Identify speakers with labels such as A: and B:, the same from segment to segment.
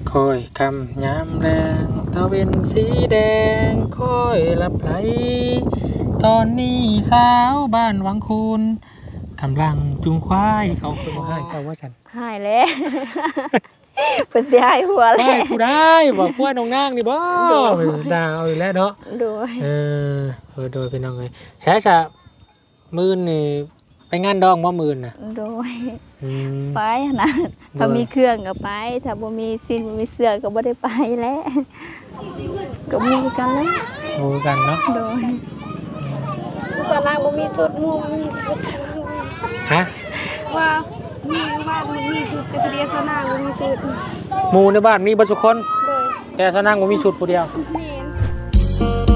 A: คอยคำยามแรงตะเวนสีแดงคอยรับไหลตอนนี้สาวบ้านวังคูนกำลังจุงควายเขาเป็นว่าให้เจ้าว่าฉัน
B: หายแล้ว เพิ่นสิหายหัวแล้
A: ได้
B: ว
A: กูได้บอกว่าน้องนางนี่บ่ดาวอีกแล้วเนาะ
B: โดย
A: โดยเป็นน้องเลยใช้จะมื่นนี่ไปงานดองบ่มื่นน่ะ
B: โดย
A: อืม
B: ไปนะถ้ามีเครื่องก็ไปถ้าบ่มีสิ้นบ่มีเสื้อก็บ่ได้ไปแล้วก็มีกันแล้ว
A: โอ้กันเนาะ
B: โดย
C: สนางบ่มีสุดหมู่บ่มีสุด
A: ฮะ
C: ว่ามีบ้านมันมีสุดแต่ผู้เดียวสนางบ่มีสุด
A: หมู่ในบ้านมีบ่ทุกคน
C: โดย
A: แต่สนางบ่มีชุดผู้เดียว
C: แม่น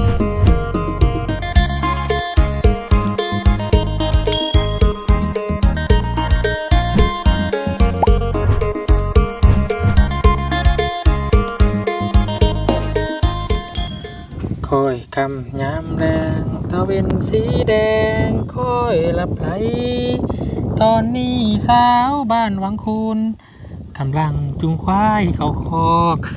A: คอยคำยามแรงตะเวนสีแดงคอยรับไหลตอนนี้สาวบ้านวังคูนกำลังจุงควายเขาคอก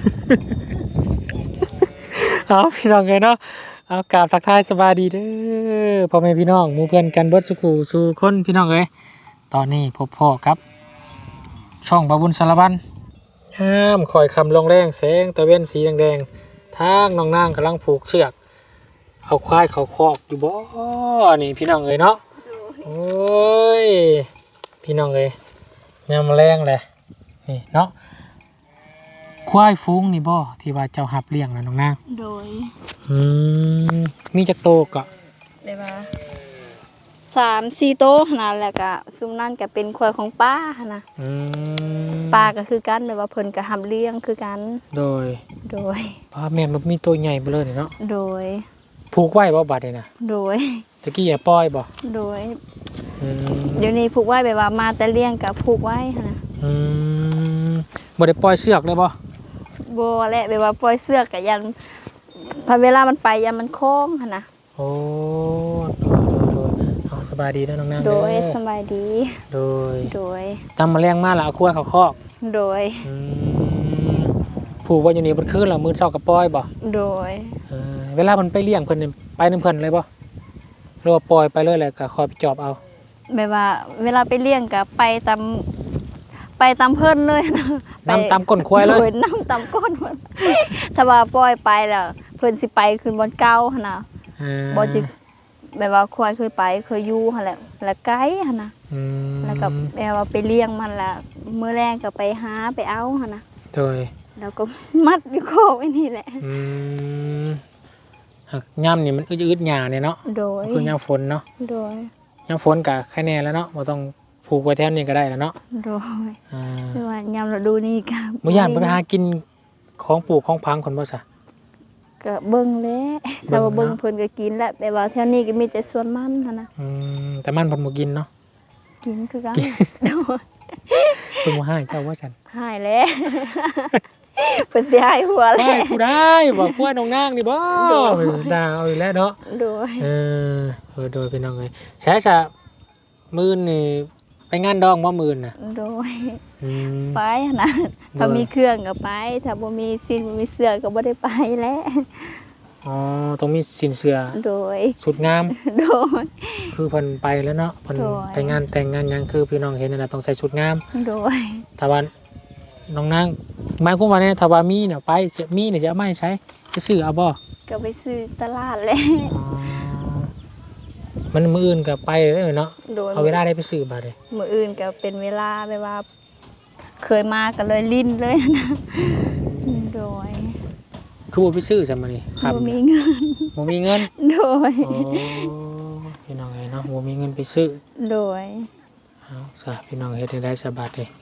A: เอาพี่น้องเลยเนาะเอากราบทักทายสบายดีเด้อพ่อแม่พี่น้องหมู่เพื่อนกันเบิดสุขูสู่คนพี่น้องเลยตอนนี้พบพ่อครับ ช่องบาบุญสารบันห้ามคอยคำลงแรงแสงตะเว้นสีแดงๆทางน้องนางกำลังผูกเชือกเอาควายเขาคอกอยู่บ่นี่พี่น้องเลยเนาะโอ้ยพี่น้องเลยยามแรงเลยนี่เนาะควายฟุ้งนี่บ่ที่ว่าเจ้าหับเลี้ยงนะน้องนาง
B: โดย
A: มีจักโตกะ
B: แบบว่า3-4โต๊ะนั่นแหละก็ซุมนั่นก็เป็นควายของป้าหั่นน่ะ ป้าก็คือกันแบบว่าเพิ่นก็หำเลี้ยงคือกัน
A: โดย
B: โดย
A: ป้าแม่มันมีตัวใหญ่เบ้อเลยเนาะ
B: โดย
A: ผูกไว้บ่บัดนี่นะ
B: โดย
A: ตะกี้อย่าปล่อยบ่
B: โดย
A: อืม
B: เดี๋ยวนี้ผูกไว้แบบว่ามาแต่เลี้ยงกับผูกไว้หั่นน่ะ
A: อืมบ่ได้ปล่อยเชือกเลยบ่
B: บ่แหละแบบว่าปล่อยเสือกก็ยันพอเวลามันไปยันมันโค้งหั่นน่ะ
A: โอ้โดยเอาสบายดีเด้อน้องนาง
B: โด
A: เด้
B: ย
A: อ
B: สบายดี
A: โดย
B: โดย
A: ตามมาแรงมาแล้วเอาควายเขาคอก
B: โดย
A: อืมผูกไว้อยู่นี่เบิดคืนแล้วมื้อเช้าก็ปล่อยบ่
B: โดย
A: เวลามันไปเลี้ยงเพิ่นนี่ไปนำเพิ่นเลยบ่หรือว่าปล่อยไปเลยแล้วก็คอยไปจอบเอา
B: แบบว่าเวลาไปเลี้ยงก็ไปตามเพิ่นเลยนะ
A: นำตามก้นควายเลย
B: โดนำตามก้นเพิ่นถ้าว่าปล่อยไปแล้วเพิ่นสิไปขึ้นบนเก่าหั่นน่ะบ่สิแบบว่าควายเคยไปเคยอยู่หั่นแหละแล้วไกลหั่นน่ะ
A: อืม
B: แล้วก็แบบว่าไปเลี้ยงมันแล้วมื้อแรงก็ไปหาไปเอาหั่นน่ะ
A: โดย
B: แล้วก็มัดอยู่คอไว้นี่แหละ
A: อืมหักย่ำนี่มันอึดๆหยาเนี่ยเนาะ
B: โดย
A: คือยามฝนเนาะ
B: โดย
A: ยามฝนก็แค่แน่แล้วเนาะบ่ต้องผูกไว้แถวนี้ก็ได้แล้วเนาะ
B: โดย
A: อ่า
B: คือว่ายามฤดูนี้ก็
A: บ่ย่านไปหากินของปลูกของพังคนบ่ซะ
B: ก็เบิ่งแหล้ถ้าว่า
A: เบิ่
B: เบิ่
A: ง
B: ง
A: เนาะ
B: เพิ่นก็กินแหละแต่ว่าแถวนี้ก็มีแต่สวนมันหั่นน่ะ
A: แต่มันเพิ่นบ่กินเนาะ
B: กินคือกันโดย
A: เพิ่นบ่ให้เจ้าว่าซั่น
B: หายแล้ว เพิ่นสิหายหัวแล้
A: ได้
B: ว
A: กูได้บอกว่าน้องนางนี่บ่ดาวอีกแล้วเนาะ
B: โดย
A: โดยพี่น้องเอ้ยใช้จะมื้อนี่ไปงานดองบ่มื้อน่ะ
B: โดย
A: อืม
B: ไปหั่นน่ะถ้ามีเครื่องก็ไป ถ้าบ่มีสิ้นบ่มีเสื้อก็บ่ได้ไปแล้ว
A: อ๋อต้องมีสินเสื้อ
B: โดย
A: ชุดงาม
B: โดย
A: คือเพิ่นไปแล้วเนาะเพิ่น
B: โดย
A: ไปงานแต่งงานหยังคือพี่น้องเห็นนั่นน่ะต้องใส่ชุดงาม
B: โดย
A: ถ้าว่าน้องนางหมายความว่าเนี่ยถ้าว่ามีเนี่ยไปมีเนี่ยจะเอามาให้ใช้จะซื้อเอาบ่
B: ก็ไปซื้อตลาดแล้ว
A: อ๋อมันมื้ออื่นก็ไปเลยเนาะ
B: โดย
A: เอาเวลาได้ไปซื้อบัดเลย
B: มื้ออื่นก็เป็นเวลาแบบว่า เคยมาก็เลยลิ้นเลยนะโดย
A: คือบ่ไปซื้อซะมื้อนี้ครับ
B: บ่มีเงิน
A: บ่มีเงิน
B: โดย
A: โอ้พี่น้องเอ้ยเนาะบ่มีเงินไปซื้อ
B: โดย
A: เอาซะพี่น้องเฮ็ดให้ได้สบายเลย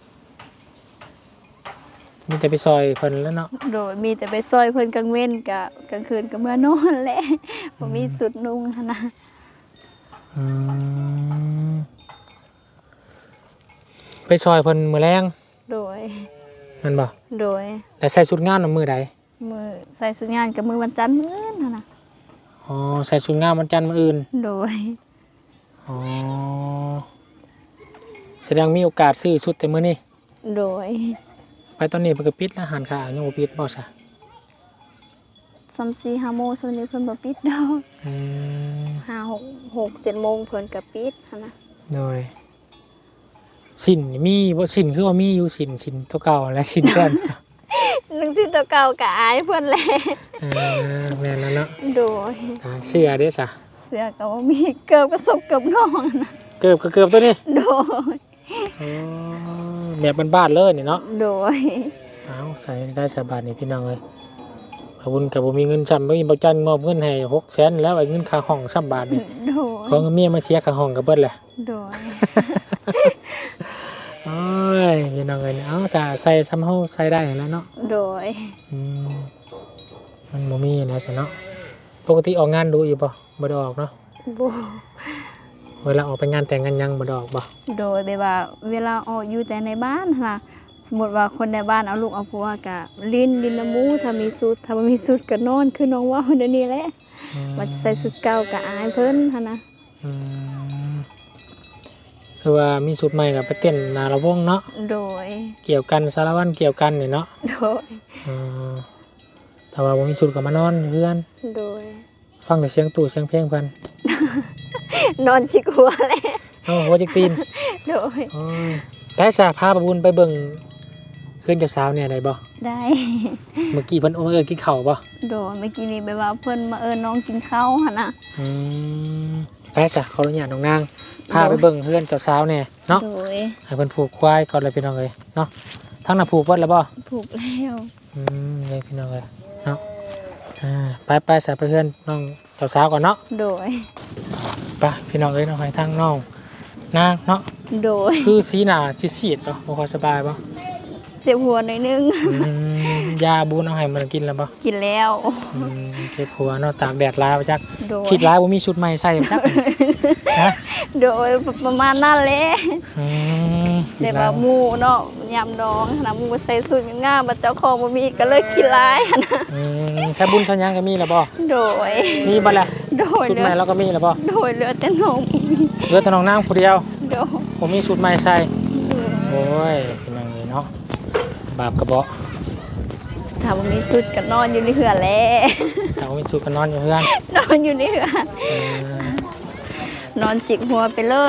A: มีแต่ไปซอยเพิ่นแล้วเนาะ
B: โดยมีแต่ไปซอยเพิ่นกลางเว้นกะกลางคืนก็เมื่อนอนแหละบ่มีสุดนุ่งหั้นนะ
A: อืมไปซอยเพิ่นมื้อแรง
B: โดย
A: แม่นบ่
B: โดย
A: แล้วใส่ชุดงามน่ะมื้อใด
B: มือใส่สุดงานกับมือวันจันทร์มื้อนั่นน่ะ
A: อ๋อใส่ชุดงามวันจันทร์มื้ออื่น
B: โดย
A: อ๋อแสดงมีโอกาสซื้อชุดแต่มื้อนี้
B: โดย
A: ไปตอนนี้เพิ่นก็ปิดแล้วอาหารค้ายังบ่ปิดบ่ซะ
B: 3-4-5 โมงส่วนนี้เพิ่นบ่ปิดดอก
A: อืม
B: 5-6-7 โมงเพิ่นก็ปิดหันนะ
A: โดยสินนี่มีบ่สินคือว่ามีอยู่สินตัวเก่าและสินเพิ่น
B: นึงสิตัวเก่าก็อายเพิ่นแหละ
A: แม่นแล้วเนาะ
B: โดย
A: เสื้อเด้ซะ
B: เสื้อก็บ่มีเกือบก็สบเกือบนอนนะ
A: เกือบก็เกือบตัวนี้
B: โดย
A: อ๋อแบบบ้านๆเลยนี่เนาะ
B: โดย
A: เอาใส่ได้สบายนี่พี่น้องเอ้ยขอบคุณกับบ่มีเงินซ้ำบ่มีบ่จันมอบเงินให้600,000แล้วไอ้เงินค่าห้องซ้ำบาทนี่
B: โดย
A: ของเมียมาเสียค่าห้องก็เบิดแหละ
B: โดย
A: โอ้ยพี่น้องเอ้ยเอาซะใส่ซ้ำเฮาใส่ได้แล้วเนาะ
B: โดย
A: อืมมันบ่มีนะซะเนาะปกติออกงานดูอยู่บ่บ่ได้ออกเนาะ
B: บ่
A: เวลาออกไปงานแต่งงานยังบ่ได้ออกบ่
B: โดยแบบว่าเวลาออกอยู่แต่ในบ้านค่ะสมมติว่าคนในบ้านเอาลูกเอาผัวก็ลิ้นน้ำมูถ้ามีสุดถ้าบ่มีสุดก็นอนคือน้องว่าเดี๋ยวนี้แหละ
A: อืม
B: ว่าใส่สุดเก่าก็อายเพิ่นหั่นนะ
A: อืมคือว่ามีสูตรใหม่ก็ไปเต้นหน้าระวงเนาะ
B: โดย
A: เกี่ยวกันสารวัตรเกี่ยวกันนี่เนาะ
B: โดย
A: อืมถ้าว่าบ่มีสูตรก็มานอนอยู่เพื่อน
B: โดย
A: ฟังแต่เสียงตู่เสียงเพลงเพิ่น
B: นอนจิกหัวแหละ
A: เอ้าหัวจิกตีน
B: โดย
A: โอ้ยแต่สาพาประบุญไปเบิ่งเพื่อนเจ้าสาวเนี่ยได้บ่
B: ได้
A: เมื่อกี้เพิ่นกินข้าวบ่
B: โดยเมื่อกี้นี้แบบว่าเพิ่นมาน้องกินข้าวหั่นน่ะ
A: อืมไปจ้ะขออนุญาตน้องนางพาไปเบิ่งเพื่อนเจ้าสาวเนี่ยเนาะ
B: โดย
A: ให้เพิ่นผูกควายก่อนเลยพี่น้องเอ้ยเนาะทั้งน่ะผูกเบิดแล้วบ่
B: ผูกแล้ว
A: เลยพี่น้องเอ้ยเนาะไปใส่ไปเพื่อนน้องเจ้าสาวก่อนเนาะ
B: โดย
A: ไปพี่น้องเอ้ยน้องให้ทั้งน้องนางเนาะ
B: โดย
A: คือสีหน้าซีดๆเนาะบ่ค่อยสบายบ่
B: เจ็บหัวหน่อยนึง
A: ยาบูนเอาให้มันกินแล้วบ่
B: กินแล้ว
A: เจ็บหัวเนาะตากแดดลายไปจัก
B: โดย
A: คิดร้ายว่ามีชุดใหม่ใส่ไปจักนะ
B: โดยประมาณนั้นแหละ
A: อืม
B: แต่ว่าหมู่เนาะยามดองนะหมู่ใส่สูทงามๆบัดเจ้าของบ่มีก็เลยขี้ร้ายหั่นนะ
A: ใช้บุญใช้หยังก็มีแล้วบ่
B: โดย
A: มีบ่ล่ะ
B: โดย
A: ชุด
B: เหลื
A: ให
B: อ
A: ม่เราก็มีแล้วบ่
B: โดยเหลือแต่นม
A: เหลือแต่น้องนางผู้เดียว
B: โดย
A: ผมมีชุดใหม่ใส่
B: โดย
A: โอ้ยเป็นยังไงเนาะบาปกระเบาะ
B: ถ้าบ่มีสุดก็นอนอยู่ในเหือนแหละ
A: ถ้าบ่มีชุดก็นอนอยู่เพื่อน
B: นอนอยู่ในเหือน
A: เออน
B: อนจิกหัวไปเลย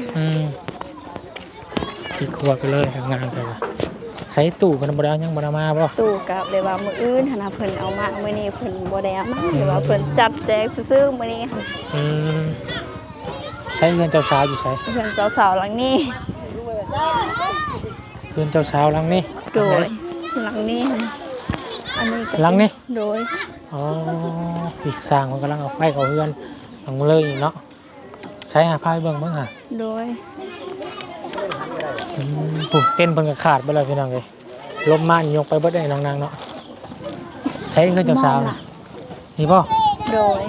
A: ที่ครัวไปเลยทำงานไปว่ะใส่ตู้กันบ่ได้เอายังบ่ได้มาบ่
B: ตู้กับเลยว่ามื้ออื่นหั่นน่ะเพิ่นเอามามื้อนี้เพิ่นบ่ได้เอามาหรือว่าเพิ่นจัดแจกซื่อๆมื้อนี้ค่ะ
A: ใช้เงินเจ้าสาวอยู่ใช้
B: เพิ่นเจ้าสาวหลังนี้
A: เงินเจ้าสาวหลังนี้
B: โดยหลังนี้ค่ะอันนี้ก็
A: หลังนี้
B: โดย
A: อ๋ออีกสร้างมันกำลังเอาไฟเขาเพื่อนหลังมาเลยเนาะใช้หาพายเบิ่งบ้างค่ะ
B: โดย
A: ปุ๊บเต้นเพิ่นก็ขาดไปเลยพี่น้องเลยลมมานี่ยกไปเบิดได้น้องนางเนาะใช้เงินเจ้าสาวน่ะนี่ป่ะ
B: โดย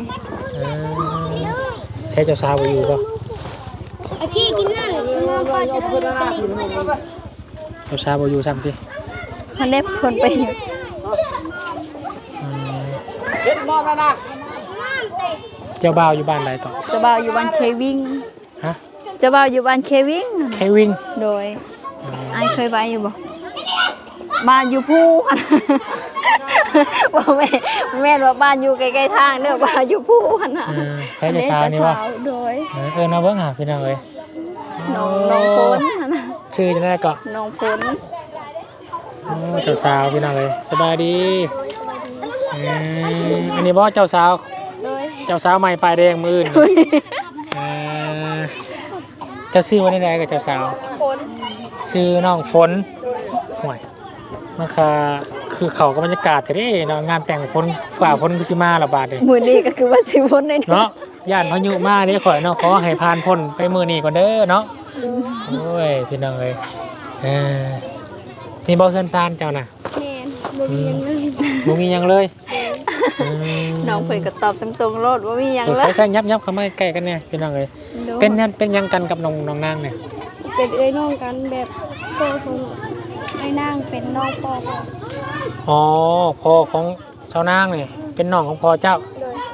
A: ใช้เจ้าสาวบ่อยู่ป่ะ
C: ไอ้กี้กินนั่นน้องป้าจะไปเล่น
A: เจ้าสาวบ่อยู่ซ้ำติ
B: คันได้เพิ่นไปอยู่
A: เจ้าบ่าวอยู่บ้านใดต่อ
B: เจ้าบ่าวอยู่บ้านเควิง
A: ฮะ
B: เจ้าบ่าวอยู่บ้านเควิง
A: แค่วิ่ง
B: โดยอ้ายเคยไปอยู่บ่บ้านอยู่ภูหั่น บ่แม่นว่าบ้านอยู่ใกล้ๆทางเด้อบ้านอยู่ภูหั่นน่ะ
A: ใช้เจ้าสาวนี่ป่ะ
B: โดย
A: มาเบิ่งหาพี่น้องเลย
B: น้องฝนหั่นน่ะ
A: ชื่อจะได้ก็
B: น้องฝน
A: เจ้าสาวพี่น้องเลยสบายดีอันนี้บ่เจ้าสาว
B: โดย
A: เจ้าสาวใหม่ปลายแดงมืออื่นเจ้าชื่อว่าได้กับเจ้าสาว
B: ฝน
A: ชื่อน้องฝนห่วยมันคือเขาก็บรรยากาศเท่เนาะงานแต่งฝนฝ่าฝนกุสิมาระบาดเลย
B: มื้อนี้ก็คือว่าสิฝนได้
A: เนาะย่านพายุมาเด้ข่อยเนาะขอให้ผ่านพ้นไปมื้อนี้ก่อนเด้อเนาะโอ้ยพี่น้องเอ้ยนี่บ่เฮือนซ่านเจ้าน่ะ
C: แม่นบ่มีหยังเลย
A: บ่มีหยังเลย
B: น้องเพิ่นก็ตอบตรงๆโลดว่ามีหยัง
A: ใส่
B: เลย
A: ใส่ยับเข้ามาใกล้กันเนี่ยพี่น้องเอ้ยเป็นหยังกันกับน้องนางเนี่ย
C: เป็นเอ้ยน้องกันแบบพ่อของไอ้นางเป็นน้องพ่อของ
A: อ๋อพ่อของชาวนางนี่เป็นน้องของพ่อเจ้า
C: โดย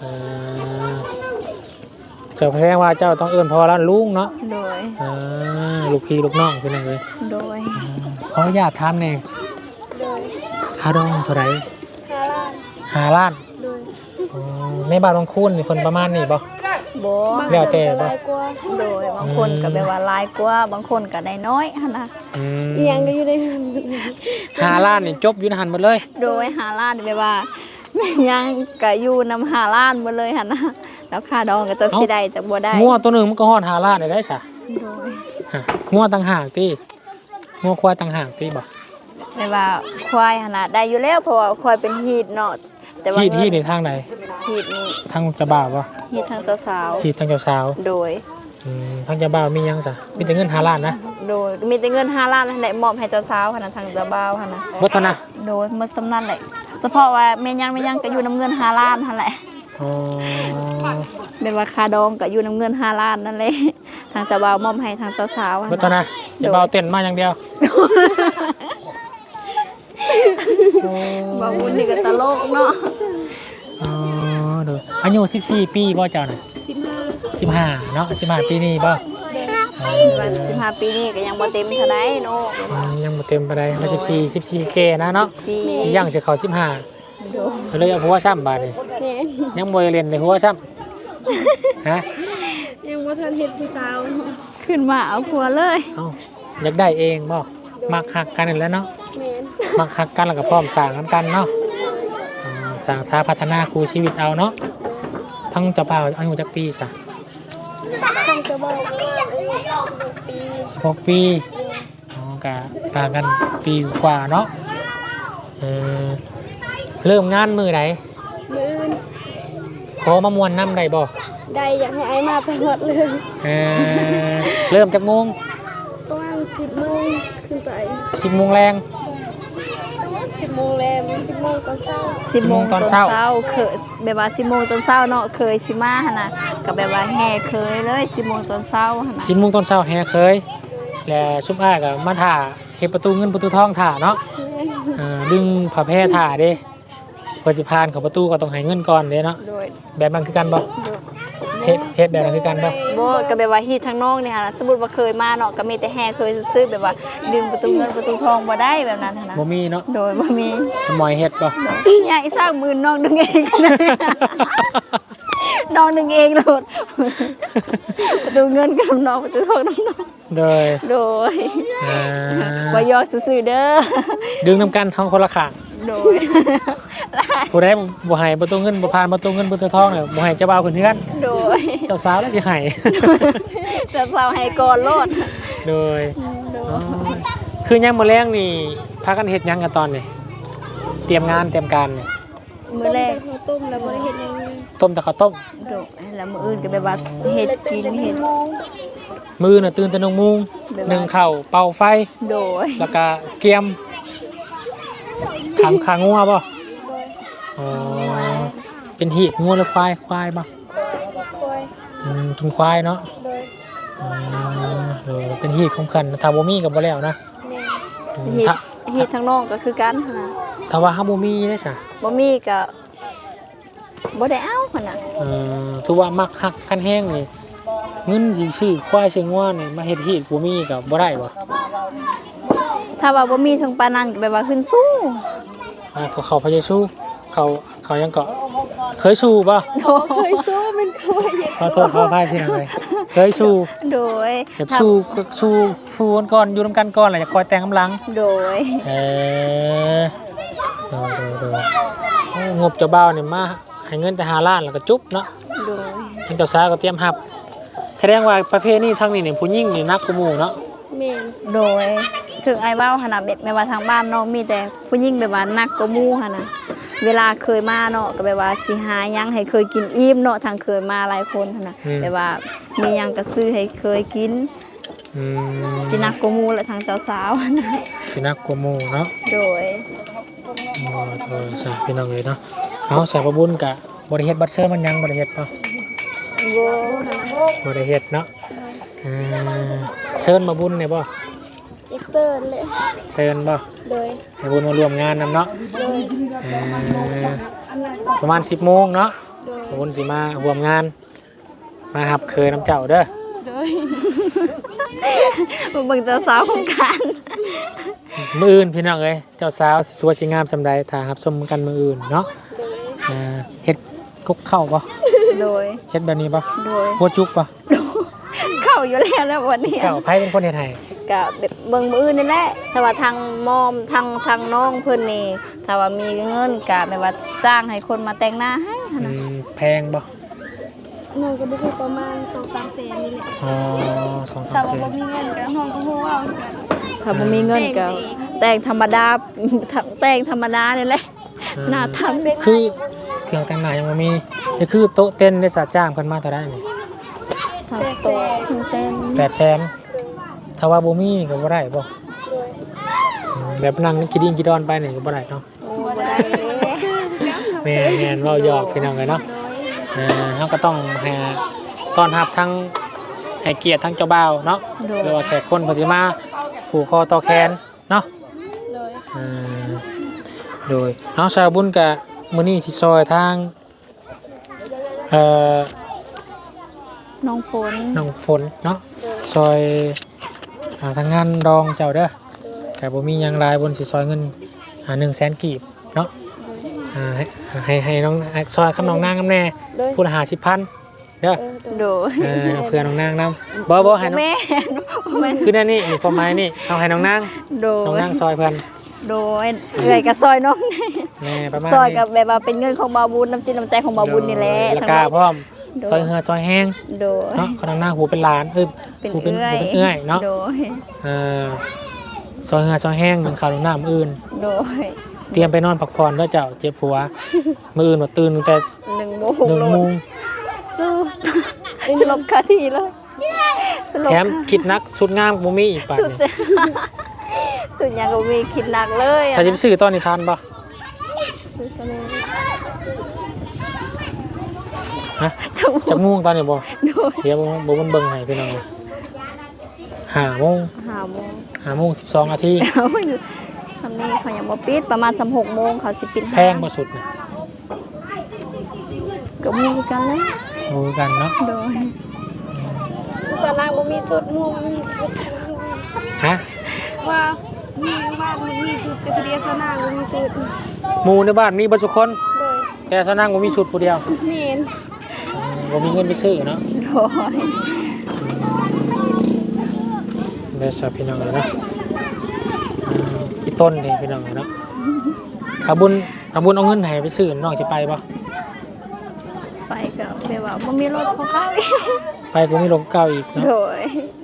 A: เจ้าแสดงว่าเจ้าต้องเอื้อนพ่อแล้วลุงเนาะ
B: โดย
A: ลูกพี่ลูกน้องเป็นยังไง
B: โดย
A: ขออนุญาตถามหน่อยค่าดองเท่าไหร่
C: 5 ล้าน
A: 5 ล้าน
C: โดย
A: อ๋อในบ้านบางคูนนี่เพิ่นประมาณนี้บ่
B: บ่
A: แล้วแต่บ่
C: หลายกว่า
B: โดยบางคนก็แบบว่าหลายกว่าบางคนก็ได้น้อยหั่นนะ
A: อืม
C: อีหยังก็อยู่ใน
A: 5 ล้านนี่จบอยู่ในหันหมดเลย
B: โดย5ล้านแบบว่าแม่นยังก็อยู่นำ5ล้านหมดเลยหั่นนะแล้วค่าดองก็จะสิได้จักบ่ได้
A: งัวตัวหนึงมันก็ฮอด5 ล้านได้ซะ
B: โดย
A: ฮะงัวต่างหากติงัวควายต่างหากติบ่
B: แบบว่าควายหั่นน่ะได้อยู่แล้วเพราะว่าควายเป็นฮีดเนาะแต่ว่า
A: ที่
B: เงิ
A: ที่
B: น
A: ในทางไหน
B: ฮีดนี่
A: ทางเจ้าบ่าวบ่
B: ฮีดทางเจ้าสาว
A: ที่ทางเจ้าสาว
B: โดย
A: ทางเจ้าบ่าวมีหยังซะมีแต่เงิน5 ล้านนะ
B: โดยมีแต่เงิน5ล้านนั่นแหละมอบให้เจ้าสาวหั่นน่ะทางเจ้าบ่าวหั่นน่ะ
A: บ่เท่านะ
B: โดยหมดสำนั้นแหละเฉพาะว่าแม่ยังก็อยู่นํเงิน5ล้านหั่นแหละ
A: อ๋อ
B: เป็นว่าค่าดองก็อยู่นํเงิน5ล้านนั่นแหละทางเจ้าบ่าวมอบให้ทางเจ้าสาวหั่น
A: บ่เท่านะเจ้าบ่าวเต้นมาอย่างเดียว
B: บ่าวบุญนี่ก็ตลกเนาะ
A: อ๋อดูอายุ14 ปีบ่เจ้าน่ะ 15เนาะ15 ปีนี้บ่
B: ว่า15ปีนี้ก็ยังบ่เต็มเท่าใดเนาะ
A: ยังบ่เต็มปานใดมา14 K นะเนาะ
B: 14
A: ยังสิเข้า15
B: โดย
A: เลยเอาหัวซ้ำบาดนี้
C: แม่น
A: ยังบ่ได้เล่นในหัวซ้ำฮะ
C: ยังบ่ทันเฮ็ดผู้สาวเนาะ
B: ขึ้นมาเอาผัวเลย
A: เอ้าอยากได้เองบ่มักฮักกันนั่นแหล้วเนาะ
C: แม่น
A: มักฮักกันแล้วก็พร้อมสร้างนำกันเนาะสร้างสาพัฒนาคู่ชีวิตเอาเนาะทั้งเจ้าบ่าวอายุจักปีซะ
C: ตั้งแต่บ่าวว่าอายุ16 ปี
A: 16 ปีอ๋อก็ต่างกันปีกว่าเนาะเออเริ่มงานมื้อใด
C: มื้ออื่น
A: ขอมามวนน้ำได้บ่
C: ได้อยากให้ไอ้มาไปฮอดเลย
A: เออเริ่มจากโมง
C: ประมาณ10 โมงขึ้นไป
A: 10 โมงแรง
C: 10 โมงแลม10 โมงตอนเช้า
A: 10 โมงตอนเช้า
B: เคยแบบว่า10โมงตอนเช้าเนาะเคยสิมาหั่นน่ะก็แบบว่าแห่เคยเลย10โมงตอนเช้าหั่นน่ะ
A: 10 โมงตอนเช้าแห่เคย และชุบอ้ายก็มาถ่าเฮ็ดประตูเงินประตูทองถ่าเนาะดึงผ้าแพร่ถ่าเด้เพื่อสิผ่านเข้าประตูก็ต้องให้เงินก่อนเด้เนาะ
B: โดย
A: แบบนั้นคือกันบ่
B: โดย
A: เฮ็ดแบบนั้นคือกันบ่
B: บ่ก็แบบว่าฮีททางน้องนี่หั่นน่ะสมมุติว่าเคยมาเนาะก็มีแต่แห่เคยซื้อๆแบบว่าดึงประตูเงินประตูทองบ่ได้แบบนั้นหั่นน่ะ
A: บ่มีเนาะ
B: โดยบ่มี
A: หมอยเฮ็ดบ่
B: ใหญ่สร้างหมื่นน้องดึงเองน้องดึงเองโลดประตูเงินกับน้องประตูทองน้อง
A: โดย
B: โดย
A: อ่า
B: บ่ยอกซื่อๆเด้อ
A: ดึงนำกันท้องคนละข้าง
B: โดย
A: ผู้ใดบ่ให้ประตูเงินบ่ผ่านประตูเงินประตูทองเนี่ยบ่ให้เจ้าบ่าวขึ้นเฮือน
B: โดย
A: เจ้าสาวแล้วสิให้
B: จะเศร้าให้ก่อนโลด
A: โดย
B: โด
A: อ๋อย คือยังมื้อแรงนี่พากันเฮ็ดหยังกันตอนนี้เตรียมงานเตรียมการนี่
B: มื้อแรก
C: ข้าวต้มแล้วบ่ได้เฮ็ดหยังเลย
A: ต้มแต่ข้าวต้ม
B: โดยแล้วมื้ออื่นก็แบบว่าเฮ็ดกินเฮ็ด
C: โมง
A: มื้อน่ะตื่นแต่1 โมงนึ่งข้าวเป่าไฟ
B: โดย
A: แล้วก็เกียมขังงัวบ่
C: โดย
A: อ๋อเป็นหีบงัวหรือควายบ่
C: คอย
A: กินควายเนาะ
C: โดย
A: อ๋อเป็นหีบของเพิ่นถ้าบ่มีก็บ่แล้วนะ
C: แม่
B: เฮ็ด
A: ถ้า
B: เฮ็ดทางน้องก็คือกันหั่นน่ะ
A: ถ้าว่าเฮาบ่มีเด้ซะ
B: บ่มีก็บ่ได้เอาหั่นน่ะ
A: ถือว่ามักฮักกันแฮงนี่เงินสิซื้อควายซื้องัวนี่มาเฮ็ดหีบบ่มีก็บ่ได้บ่
B: ถ้าว่าบ่มีถึงปานนั้นก็แบบว่าขึ้นสู้
A: เขาพยายสู้เขายังเกาะเคยสู้ป่ะ
C: เคยสู้เป็นเคยเฮ็ด
A: ขอโทษขออภัยพี่น้องเลยเคยสู้
B: โดย
A: แบบสู้กันก่อนอยู่นำกันก่อนแหละจะคอยแต่งกำลัง
B: โดย
A: เออโดงบเจ้าบ่าวนี่มาให้เงินแต่5 ล้านแล้วก็จุ๊บเนาะ
B: โดย
A: ทางเจ้าสาวก็เตรียมรับแสดงว่าประเภทนี้ทางนี้เนี่ยผู้หญิงนี่นักกว่าหมู่เนาะ
C: แม่น
B: โดยถึงไอ้เว้าหั่นน่ะแบบแม่ว่าทางบ้านน้องมีแต่ผู้หญิงแบบว่านักกว่าหมู่หั่นน่ะเวลาเคยมาเนาะก็แบบว่าสิหาหยังให้เคยกินอิ่มเนาะทางเคยมาหลายคนหั่นน่ะแบบว่ามีหยังก็ซื้อให้เคยกิน
A: อืม
B: สินักกว่าหมู่และทางเจ้าสาวหั่นน่ะ
A: สินักกว่าหมู่เนาะ
B: โดย
A: ใช่พี่น้องเลยเนาะเอาใส่ประบุญกะบริเฮ็ดบัตรเชิญมันยังบริเฮ็ดป่ะ
B: โว้
A: บริเฮ็ดเนาะเชิญมาบุญเนี่ยป่ะ
C: เอ็กเซอร์เลย
A: เชิญป่ะ
C: โดย
A: ให้บุญมาร่วมงานนำเนาะ
C: โดย
A: ประมาณ10 โมงเนาะ
C: โดย
A: บุญสิมาร่วมงาน มาหับเคยน้ำเจ้าเด้อ
C: โดย
B: มาเบิ่งเจ้าสาวของกัน
A: มื้ออื่นพี่น้องเอ้ยเจ้าสาวสิสวยสิงามสำใดถ้ารับชมกันมื้ออื่นเนาะเฮ็ดกุ๊กเข้าบ่
B: โดย
A: เฮ็ดแบบนี้บ่
B: โดย
A: หัวจุกบ่
B: เข้าอยู่แล้วนะวันนี้
A: เจ้าไผเป็นคนเฮ็ดให้
B: ก็แบบเบิ่งมื้ออื่นนี่แหละถ้าว่าทางมอมทางน้องเพิ่นนี่ถ้าว่ามีเงินก็แบบว่าจ้างให้คนมาแต่งหน้าให้หั่นน่ะ
A: แพงบ่
C: น้องก็ได้ประมาณ2-3แสนนี่แหละ
A: อ๋อ
C: ถ้า
A: 2-3
C: ว่า
A: แสน
C: บ่มีเงินก็ห้องก็ฮู้เอา
B: ถ้าบ่มีเงินก็แต่งธรรมดาแต่งธรรมดานี่แหละหน้าทำได้
A: คือเครื่องแต่งหน้ายังบ่มีนี่คือโต๊ะเต้นได้สาจ้างเพิ่นมาเท่าใดนี่
B: ทำโตถึงเส้น
A: 800,000ถ้าว่าบ่มีก็บ่ได้บ่แบบนั่งกินดินกินดอนไปนี่ก็บ่ได้เนาะ
B: โอ้บ่ได้เด้
A: แม่นเว้าหยอกพี่น้องเลยเนาะเฮาก็ต้องให้ต้อนรับทั้งให้เกียรติทั้งเจ้าบ่าวเนาะหรือว่าแขกคนเพิ่นสิมาผูกคอต่อแขนเนาะ
C: เลย
A: โดยเอาชาวบุญกะมื้อนี้สิซอยทางเอ่อ
B: น้องฝน
A: น้องฝนเนาะซอยทางงานดองเจ้าเด้อก็บ่มีหยังหลายบนสิซอยเงิน100,000กีบเนาะให้น้องซอยคำน้องนางนำแน่ผู้ละ50,000เด้อ
B: โดย
A: เพื่อน้องนางนำบ่ให้น้อง
B: แม่แม่
A: คือนั่นนี่ความหมายนี่เอาให้น้องนาง
B: โด
A: น้อง
B: ย
A: นางซอยเพิ่น
B: โดยเอื่อยกับซอยน้อง
A: แม่ประมาณ
B: ซอย
A: นี้
B: กับแบบว่าเป็นเงินของบาบุญน้ำจิตน้ำใจของบาบุญนี่แหละ
A: แล้วก็พร้อมซอยเหือซอยแห้ง
B: โดย
A: เนาะคนน้องนางหูเป็นหลาน
B: เป็น
A: หูเป็น
B: เอื้อย
A: เอื้อยเนาะ
B: โดย
A: ซอยเหือซอยแห้งมันข้าวน้ำอื่น
B: โดย
A: เตรียมไปนอนพักผ่อนด้วยเจ้าเจ็บหัวมื้ออื่นมาตื่นตั้งแต่
B: 1 โมง
A: 1 โมง
B: สลบคาทีเลยสลบ
A: แถมคิดนักสุดงามบ่มีอีกป่าน
B: สุด
A: นี้
B: สุดยังก็มีคิดหนักเลย
A: ถ้าจะไปซื้อตอนนี้ทันบ่ฮะ
B: จัง
A: จักโมงตอนนี้บ่
B: โดย
A: เดี๋ยวบ่มันเบิ่งให้พี่น้อง5 โมง
B: 5 โมง
A: 5 โมง 12 นาที
B: เอาอยู่สำนี้เขายังบ่ปิดประมาณ6 โมงเขาสิปิด
A: แพงบ่สุดน่ะ
B: ก็มีกันแล้ว
A: รู้กันเนาะ
B: โดย
C: สนางบ่มีสุดหมู่บ่มีสุด
A: ฮะ
C: ว่ามีบ้านมันมีสุดแต่พอดีสนางบ่มีสุด
A: หมู่ในบ้านมีเบ่ทุกคน
C: เลย
A: แต่สนั่งบ่มีชุดผู้เดียว
C: เมีน
A: บ่มีเงินไปซื้อเนาะ
B: โดย
A: เดี๋ยวสับพี่น้องเลยเนาะอีต้นนี่พี่น้องเลยเนาะอาบุญเอาเงินให้ไปซื้อน้องสิไปบ่
B: ไปก็แบบว่าบ่มีรถของเขา
A: ไปกูมีลงเก่าอีกเนาะ
B: โดย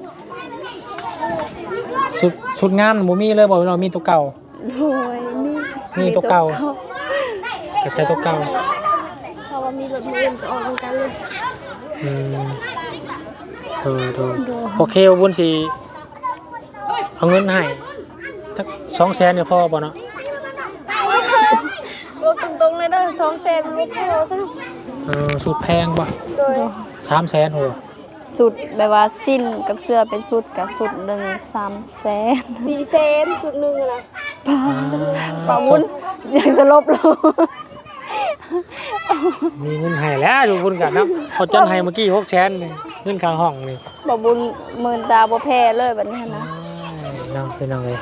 A: ชุดงานบ่มีเลยบ่เรามีตัวเก่า
B: โดย
A: มีตัวเก่า ก็ใช้ตัวเก่า
C: เพราะว่ามีรถมือจะออกเหมือนกันเลย
A: อืมโอเคอาบุญสิเอาเงินให้สัก200,000เนี่ยพอบ่เนาะ
C: โอ้ตรงๆเลยเด้อ2แสนบ่พอซะ
A: สุดแพงบ่
C: โดย
A: 300,000โห
B: สุดแบบว่าสิ้นกับเสื้อเป็นสุดกับสุดหนึ่ง3 แสน
C: 4แสนสุดหนึงอะนะ
B: ปาวุ้นอยากจะลบเลย
A: มีเงินให้แล้วอยู่บุญกันเนาะเขาจัดให้เมื่อกี้600,000นี่เงินข้างห้องนี่
B: ปาวุ้นหมื่นตาบ่แพ้เลยแบบนี้นะ
A: น้องพี่น้องเลย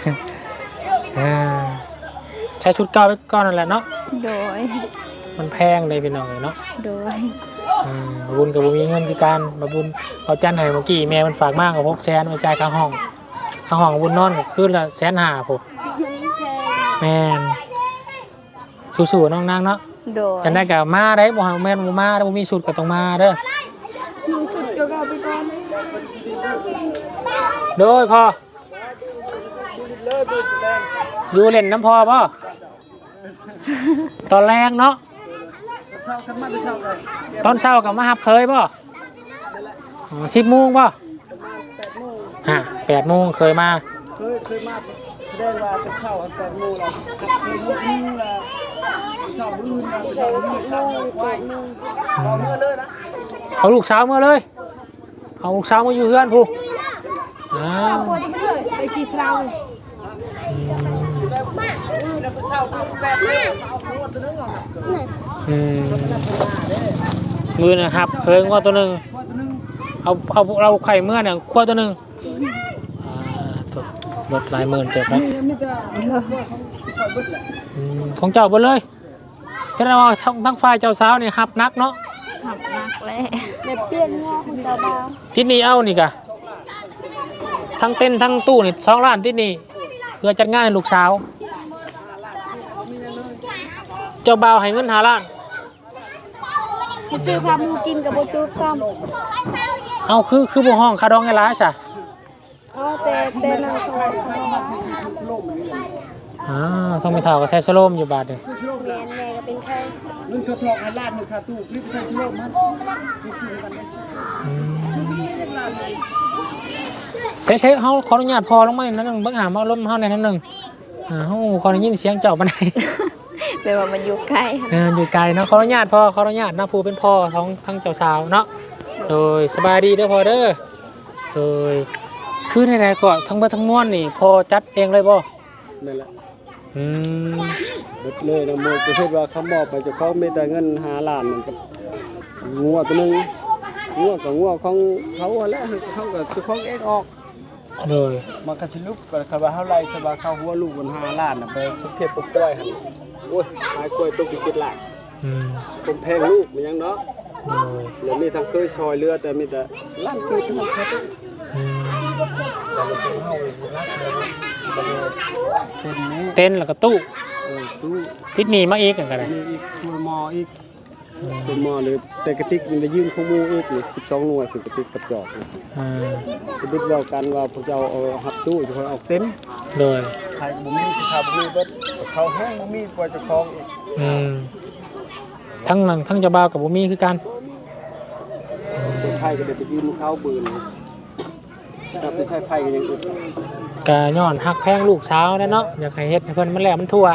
A: ใช้ชุดเก่าไปก่อนนั่นแหละเนาะ
B: โดย
A: มันแพงเลยพี่น้องเลยเนาะ
B: โดย
A: บุญกับบุญมีเงินคือการบุญเอาจันให้เมื่อกี้แม่มันฝากมากกับ600,000ไปจ่ายค่าห้องบุญนอนก็คืนละ150,000ผมแม่นสู้ๆน้องนางเนาะ
B: โดย
A: จันได้กับมาได้บ่แม่นบ่มาได้บ่มีสุดก็ต้องมาเด้อ
C: มีสุดก็เอาไปก่อน
A: โดยพ่ออยู่เล่นน้ำพ่อป่ะตอนแรกเนาะตอนเช้ากับมาหับเคยป่ะ10 โมงป่ะ8 โมงเคยมา
D: เคยมาได้ว่าเป็นเช้า8 โมงแล้วเช้าอื่นเช้าอื่นเช้าไว้เอาเมื่อเลยนะ
A: เอาลูกสาวมาเลยเอาลูกสาวมาอยู่เพื่อนผู้อ้าว
C: ไปกี่เช้าเลย
D: แล้วก็เช้า8 โมงเอาตัวตัวนึงเอา
A: มือนะหับเคยว่าตัวหนึ่งเอาเราไข่เมื่อเนี่ยขั้วตัวหนึ่งตัวรถหลายหมื่นเจ็บแล้ว
D: มีแต่ว่าของคอยเบิดแหละ
A: ของเจ้าเบ่เลยจะได้ว่าทั้งฝ่ายเจ้าสาวนี่หับนักเนาะ
B: หับนักเลย
C: แบบเปลี่ยนง้อของเจ้าบ่าว
A: ที่นี่เอานี่กะทั้งเต้นทั้งตู้นี่2 ล้านที่นี่เพื่อจัดงานให้ลูกสาว เจ้าบ่าวให้เงิน5 ล้าน
C: สิซื้อพาหมูกินกับบ่จุบซ้ำ
A: เอาคือบ่ห้องค่าดองให้หลายซะ
C: อ๋อแต่นั่นเขาว่าเขาบอกว่า
D: ชโลมนี่แหละ
A: ต้องมีเท่าก็ใส่สโลมอยู่บาทนี่
D: ชโลม
C: แม่นแม่ก็เป็นใคร
D: เงินกระทอกให้ล้านนึงค่าตู้คลิปใส่ชโลมมันนี่คือกันเลย
A: ใช้เฮาขออนุญาตพอลงมานิดนึงเบิ่งหามาลมเฮาในนั้นนึงเฮาขอได้ยินเสียงเจ้าปานใด
B: แปลว่ามันอยู่ใกล้
A: อยู่ไกลเนาะขออนุญาตพ่อขออนุญาตนะผู้เป็นพ่อทั้งเจ้าสาวเนาะโดยสบายดีเด้อพ่อเด้อโดยคือในๆก็ทั้งเบิดทั้งมวลนี่พ่อจัดเองเลยบ่
D: นั่นแหละ
A: อืม
D: เบิดเลยนะโมประเภทว่าเขามอบไปเจ้าของมีแต่เงิน5 ล้านมันกับงัวตัวนึงงัวกับงัวของเขาแหละเขาก็เจ้าของเองออก
A: โดย
D: มันก็สิลุกก็คำว่าเท่าไรสบายเข้าหัวลูกบน5 ล้านน่ะไปสุเทพตกกล้วยหั่นโอ้ยขายกล้วยตกอีก7 ล้าน
A: อืม
D: เป็นแพงลูกมันยังเนาะ
A: โดย
D: แล้วมีทางเคยซอยเรือแต่มีแต่ล้านคือทั้งหมดครับ
A: อืม
D: แต่เราซื้อเฮาอยู่นักเลยเป็นนี้
A: เต้นแล้วก็ตู้
D: ตู้
A: ทิศนี้มาอีกกันก็ได้
D: มีอีกตัวมออีกตัวมอเลยแต่กระติกมันจะยืมข้อมูลอีกนี่12 หน่วยคือกระติกกับจอกนี่
A: อ่า
D: จะบิดเว้ากันว่าพวกเจ้าเอาหับตู้จะคนเอาเต็ม
A: โดย
D: ใครบ่มีสิครับบ่มีเบิดเขาแห้งบ่มีกว่าเจะคล้าของอีก
A: อืมทั้งนั้นทั้งเจ้าบ่าวกับบ่มีคือกัน
D: เส้นไผ่ก็ได้ไปยืมเขาปืนจับไปใช้ไผ่ก็ยังอึด
A: กะย้อนฮักแพงลูกสาวแน่เนาะอยากให้เฮ็ดให้เพิ่นมันแล้วมันทั่ว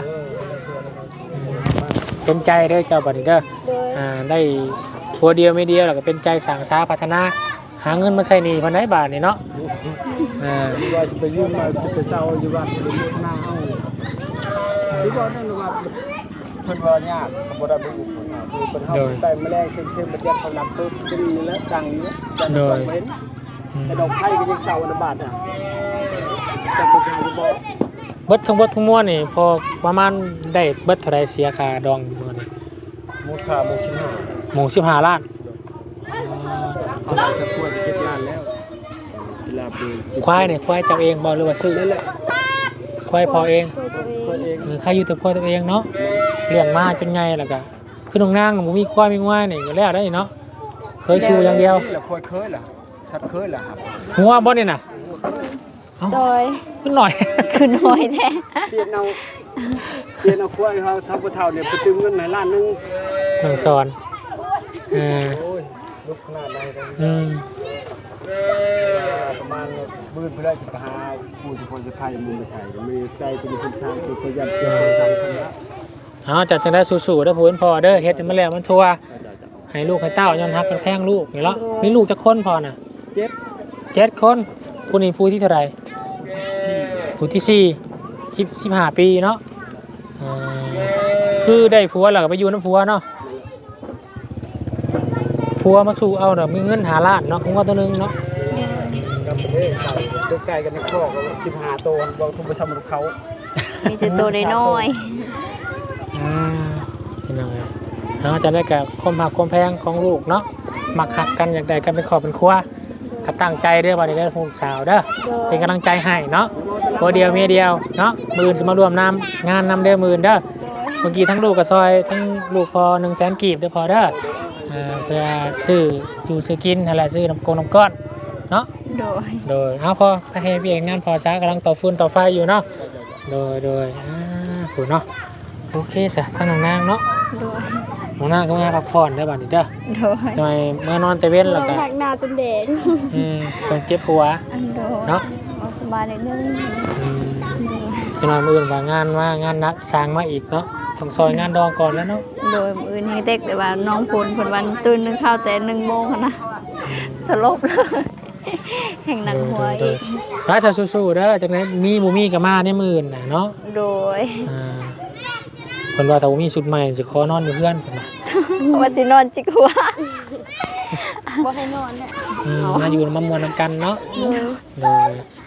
A: เป็นใจเด้อเจ้าบัดนี้เด้อ
C: โดย
A: ได้ผัวเดียวไม่เดียวแล้วก็เป็นใจสั่งสาพัฒนาหาเงินมาใช้หนี้เพิ่นได้บาทนี่เนาะ
D: หรือว่าสิไปยืมมาสิไปเซาอยู่วัดหรือเฮ็ดหน้าเฮาหรือว่านั่นว่าเพิ่นว่ายากก็บ่ได้บ่อุปถัมภ์คือเพิ่นเฮาไปแมลงเซ็งๆบ่ยัดเขานำเพิ่นเป็นนี่แหละดังนี้จังสองเห็นแต่ดอกไผ่ก็ยังเซาอันบาทอ่ะจักผู้ชายบ่
A: เบิดทั้งมวลนี่พอประมาณได้เบิดเท่าใดเสียค่าดองมื้อนี้
D: มูลค่าหมู่15
A: หมู15 ล้าน
D: จะได้สักขวด7 ล้านแล้วเวลาเบิ่ง
A: ควายนี่ควายเจ้าเองบ่หรือว่าซื้อ
D: นั่นแหละ
A: ควายพอเอง
C: ตัวเอง
D: คนเอง
A: ใครอยู่แต่ควายตัวเองเนาะเลี้ยงมาจนใหญ่แล้วก็คือน้องนางบ่มีควายมีงวายนี่ก็แล้วได้เนาะเคยสู้อย่างเดียว
D: นี่แหละควายเคยล่ะสัตว์เคยล่ะครับ
A: หัวบ่นี่น่ะ
C: โดย
A: ขึ้นหน่อย
B: คือน้อยแท้
D: เปลี่ยนเอาควายเขาทำกระเท่าเนี่ยไปตึงเงินในล้านนึง
A: น้องสอนเออ
D: โอ้ยลุกขนาดไหนกัน
A: อืม
D: ประมาณมื่นเพื่อจะไปหาผู้จะคนจะพายมึงไปใส่มีใจเป็นคนช้างคือพยายามเชื่อคนทำคนละ
A: เอาจัดจังได้สู้ๆเด้อผู้เป็นพ่อเด้อเฮ็ดให้มันแล้วมันทั่วให้ลูกให้เต้าย้อนฮักกันแพงลูกนี่เนาะมีลูกจักคนพอน่ะ
D: 7
A: 7 คนผู้นี้ผู้ที่เท่าไหร่ผู้ที่15 ปีเนาะคือได้ผัวแล้วก็ไปอยู่น้ำผัวเนาะผัวมาสู่เอาเนาะมีเงิน5 ล้านเนาะของว่าตัวนึงเนาะ
D: กับประเทศไก่ตัวไก่กันในครอบ15 ตัวบอกทุกประชาชนเขา
B: มีแต่ตัวน้อย
A: เป็นยังไงเราจะได้กับความหักความแพงของลูกเนาะมักหักกันอยากได้กันเป็นครอบเป็นครัวก็ตั้งใจเด้อวันนี้ได้ลูกสาวเด้อเป็นกำลังใจให้เนาะตัวเดียวเมียเดียวเนาะมือจะมารวมนำงานนำเด้อมือเด้อเมื่อกี้ทั้งลูกกับซอยทั้งลูกพอ100,000 กีบเด้อพอเด้อเพื่อซื้ออยู่ซื้อกินอะไรซื้อน้ำก้อนเนาะ
B: ๆโดย
A: โดยเอาพอไปให้พี่เองงานพอช้ากำลังต่อฟืนต่อไฟอยู่เนาะโดยถูกเนาะโอเคสะท่านนางเนาะ
B: โดย
A: น้องนางก็มาพักผ่อนได้บ้างดิเด้อ
B: โดย
A: ทำไมเมื่อนอนแต่เว้นแล้วก็
C: หักหน้าจนแดง
A: ต้องเจ็บหัว
B: โดย
A: เนาะ
B: เอาสบายนิดนึง
A: จะนอนมื้ออื่นว่างานนักสร้างมาอีกเนาะต้องซอยงานดองก่อนแล้วเนาะ
B: โดยมื้อนี้เด็กแต่ว่าน้องพลเพิ่นวันตื่นนึงข้าวแต่1 โมงหั้นนะสลบเลยแห่งหนังหัวอีก
A: ร้ายชาสู้ๆเด้อจากนั้นมีบ่มีก็มาในมื้ออื่นน่ะเนาะ
B: โดย
A: เพิ่นว่าถ้าบ่มีชุดใหม่สิขอนอนอยู่เพื่อนเพิ่นน่ะ
B: ว่าสินอนจิกหัว
C: บ่ให้นอนเนี่ย
A: มาอยู่มามวนนำกันเนาะ
C: โดย
A: เลย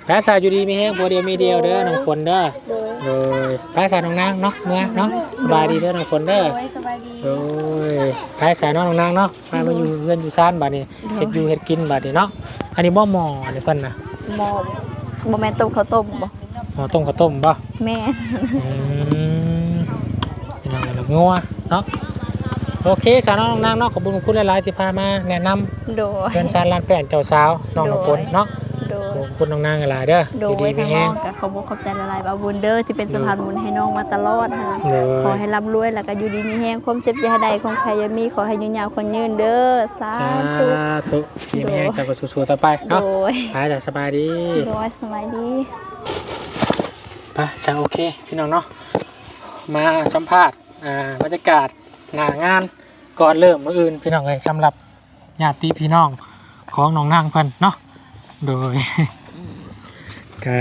A: ภาษาอยู่ดีมีแห้งผัวเดียวมีเดียวเด้อน้องฝนเด้อ
B: โดย
A: เลยภาษาน้องนางเนาะเมื่อเนาะสบายดีเด้อน้องฝนเด้อ
C: โอ้ยสบายดี
A: โอ้ยภาษาน้องนางเนาะมาอยู่เพื่อนอยู่ซ่านบัดนี้เฮ็ดอยู่เฮ็ดกินบัดนี้เนาะอันนี้บ่หม้ออันนี้เพิ่นน่ะ
B: หมอบ่แม่นต้มข้าวต้มบ่
A: หม้อต้มข้าวต้มบ่
B: แม่
A: อืมพี่น้องเรางัวเนาะโอเคสาวน้องนางเนาะขอบคุณหลายๆที่พามาแนะนำ
B: โดย
A: เพื่อนชาติลานแป้นเจ้าสาวน้องน้ำฝนเนาะ
B: โดย
A: ขอบคุณน้องนางหลายเด้อ
B: โด
A: ดี
B: ย
A: ๆมี
B: ทาง
A: แห้
B: น้อง งก็ขอบคุณขอบใจหลายๆบาบุญเด้อที่เป็นสะพานบุญให้น้องมาตลอดค่ะ
A: เลย
B: ขอให้ร่ำรวยแล้วก็อยู่ดีมีแห้งความเจ็บอย่าใดของใครอย่ามีขอให้ยืนยาวคนยืนเด้อสา
A: สา
B: ธุ
A: ธุดีมีแห้งเจ้าก็สู้ๆต่อไป
B: โด
A: เนาะ
B: ย
A: ไปจ้ะสบายดี
B: โดยสบายดี
A: ไปจ้ะโอเคพี่น้องเนาะมาสัมภาษณ์บรรยากาศหน้างานก่อนเริ่มมื้ออื่นพี่น้องเลยสำหรับญาติพี่น้องของน้องนางเพิ่นเนาะโดย ก็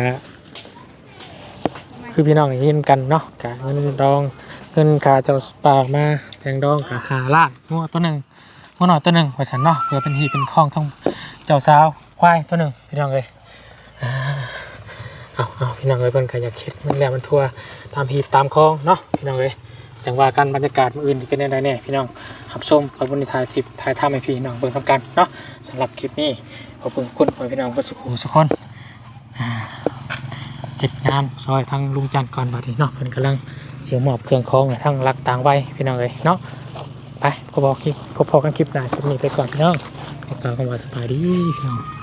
A: คือพี่น้องยินกันเนาะกะเงินดองเงินค่าเจ้าปากมาแตงดองกะ5 ล้านงัวตัวหนึ่งงัวหน่อยตัวหนึ่งว่าฉันเนาะเพื่อเป็นที่เป็นข้องทั้งเจ้าสาวควายตัวหนึ่งพี่น้องเลยเอาพี่น้องเลยเพิ่นก็อยากคิดมันแล้วมันทั่วตามพีตามคลองเนาะพี่น้องเลยจังว่ากันบรรยากาศมื้ออื่นที่เป็นได้แน่พี่น้องรับชมกับบริษัททิพย์ถ่ายทำให้พี่น้องเบิ่งทำกันเนาะสำหรับคลิปนี้ขอบคุณพี่น้องทุกคนเฮ็ดงานซอยทั้งลุงจันทร์ก่อนบัดนี้เนาะเพิ่นกำลังเสียมอบเครื่องของทั้งรักต่างไว้พี่น้องเลยเนาะไปพอกันคลิปหน้าคลิปนี้ไปก่อนพี่น้องขอกล่าวคำว่าสบายดีพี่น้อง